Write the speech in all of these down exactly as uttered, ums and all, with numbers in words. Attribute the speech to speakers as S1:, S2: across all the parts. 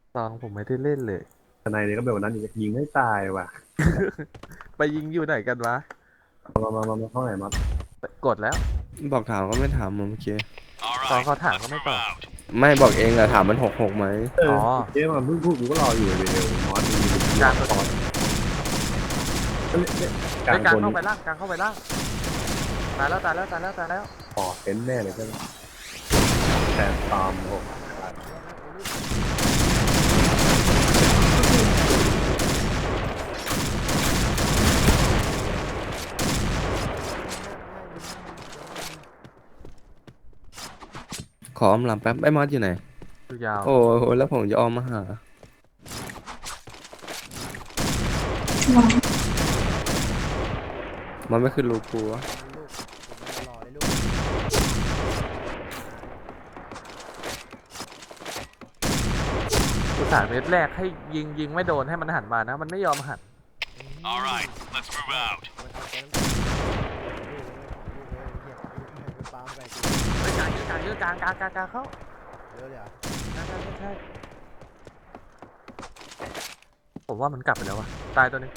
S1: ตองผมไม่ได้เล่นเลย
S2: ทนายเนี่ยก็แบบวันนั้นยิงให้ตายว่ะ
S1: ไปยิงอยู่ไหนกันวะ
S2: มามามามาเข้าไหนมา
S1: กดแล้ว
S3: บอกถามก็ไม่ถามผมเมื่อกี้
S1: ตองเขาถามก็ไม่ตอบ
S3: ไม่บอกเองอะถามมันหกหกไหม
S2: เออ
S1: อ๋อ
S2: เจ๊มันเพิ่งพูดกูก็รออยู่เดียวมอสมีมี
S1: กลางตัว
S2: ตอนก
S1: ไป
S2: ลางคน
S1: กลางเข้าไปล่างกลางเข้าไปล่างตายแล้วตายแล้วตายแล้วตายแล้ว
S2: พอเป็นแน่เลยก็แต่ตามโอ้
S3: ขออมลำแป๊บไอ้มอสอยู่ไหน
S1: ดูยาว
S3: โอ้โหแล้วผมจะออมมาหามันไม่ขึ้นรูกูวะ
S1: อุตส่าห์เม็ดแรกให้ยิงยิงไม่โดนให้มันหันมานะมันไม่ยอมหัน
S4: Alright, let's move out.
S1: ไปกลางเยอะกลางเยอะกลางกลางกลางกลางเข้า
S5: เยอะเลยเหรอ
S1: ใช่ใช่ใช่ผมว่ามันกลับไปแล้ววะตายตัวนึง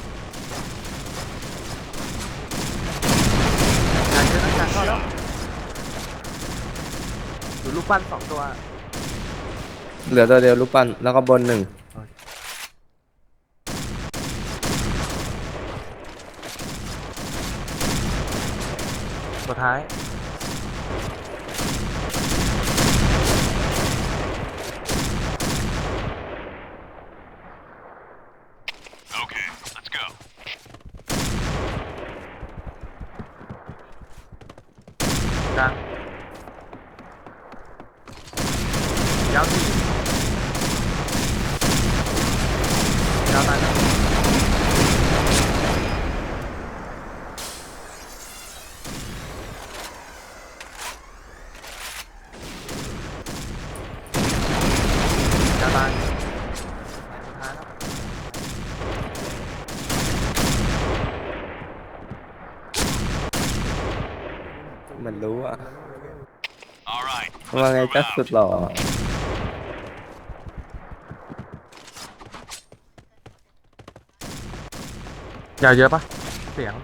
S1: กลางเยอะนะกลางเข้าแล้วดูรูปปั้นสองตัว
S3: เหลือตัวเดียวรูปปั้นแล้วก็บนหนึ่ง
S1: ตัวท้าย
S4: Okay, let's go.
S1: กลางยาวสี่ยาวตายแล้วยาวตายสุดท้ายแล้ว
S3: มันรู้อะ
S4: Alright,
S3: ว่า
S4: let's
S3: ไง
S4: move
S3: ก็สุด
S4: out.
S3: หล่อย
S1: าวเยอะปะเสียง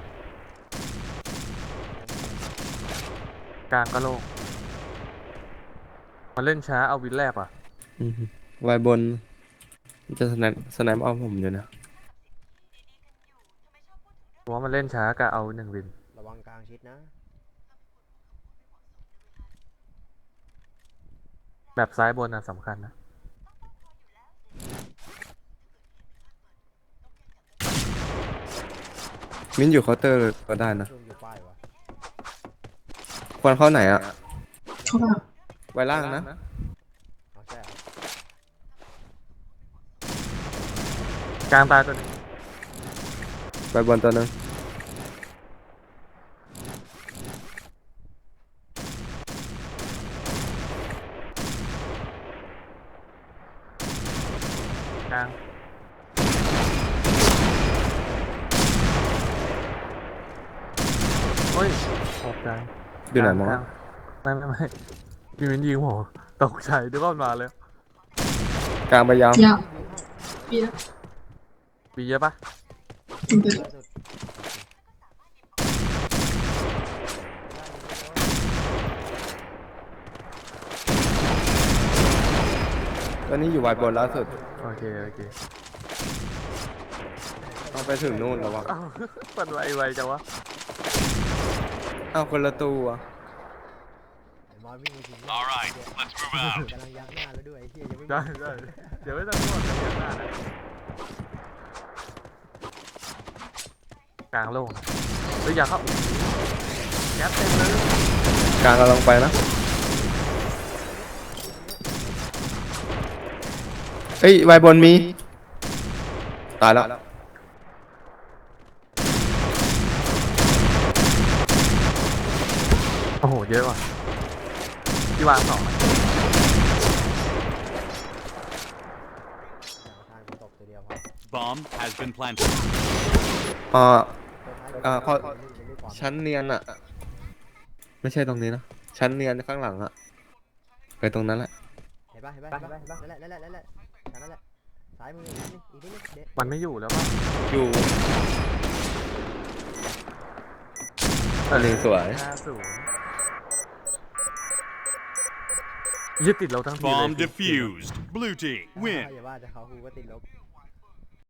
S1: กลางก็โล่งมาเล่นช้าเอาวินแรกอ่ะ
S3: อืมไวบนมันจะสแนปสแนปเอาผมอยู่นะ
S1: เพราะว่ามันเล่นช้ากะเอาหนึ่งวิน
S5: ระวังกลางชิดนะ
S1: แบบซ้ายบนอ่ะสำคัญนะ
S3: มิ้นอยู่เคาน์เตอร์ก็ได้นะ
S5: ช่วงอยู่ป้ายวะ
S3: ควรเข้าไหนอะ
S6: เข้าไป
S3: ไว้ล่างนะ
S5: เอาใช่เหรอก
S1: ลางตายตัวหนึง
S3: ไว้บนตัวหนึง
S1: กลางโอ้ยออกกลาง
S3: อยู่ไหนมอส
S1: กลางไม่ไม่ไม่มีวินยิงผมตกใจด้วยว่ามันมาเลย
S3: กลางไปยาว
S6: ยาวปีแล้ว
S1: มีเยอะปะ
S6: ถึงไป
S5: ล่าสุด
S3: ตอนนี้อยู่ไวบนล่าสุด
S1: โอเคโอเค
S3: ต้องไปถึงนู่นแล้ววะ
S1: อ้าวมันไวไวจังวะ
S3: อ้าวคนละตัว
S5: ไอ้มอสวิ่งไปถึง
S4: Alright, let's move out.
S5: กำลังยักหน้าแล้วด้วยไอ้เหี้ยยังไม่
S1: ได้ได้เดี๋ยวไม่ต้องพูดเลยยังหน้านะกลางโล่งหรืออยากเข้าแก๊สเต็มเลย
S3: กลางกำลังไปนะเอ้ยไวบนมีตายแล้ว
S1: โอ้โหเยอะว่ะที่วางสองอะ
S5: ทางกูตบตัวเดียวพอ
S4: Bomb has been planted.
S3: อ่า
S5: ตัวท้าย
S3: อ่า
S5: ก็
S3: เขา
S5: ไม่รู้ความ
S3: ชั้นเนียนอะไม่ใช่ตรงนี้นะชั้นเนียนข้างหลังอะไปตรงนั้นแหละ
S5: เห็นเห็นปะเห็นปะเห็นปะนั่นแหละนั่นแหละนั่นแหละแค่นั้นแหละซ้ายมืออีกนิดนึงอีกนิดนึงเด็ด
S1: มันไม่อยู่แล้วป่ะ
S3: อยู่อันนี้สวย
S1: ห้าศูนย์ยึดติดเราทั้งทีเลย
S4: Bomb defused. Blue team
S5: เว้น
S4: win.
S5: อย่าว่าจะเขากูก็ติดลบ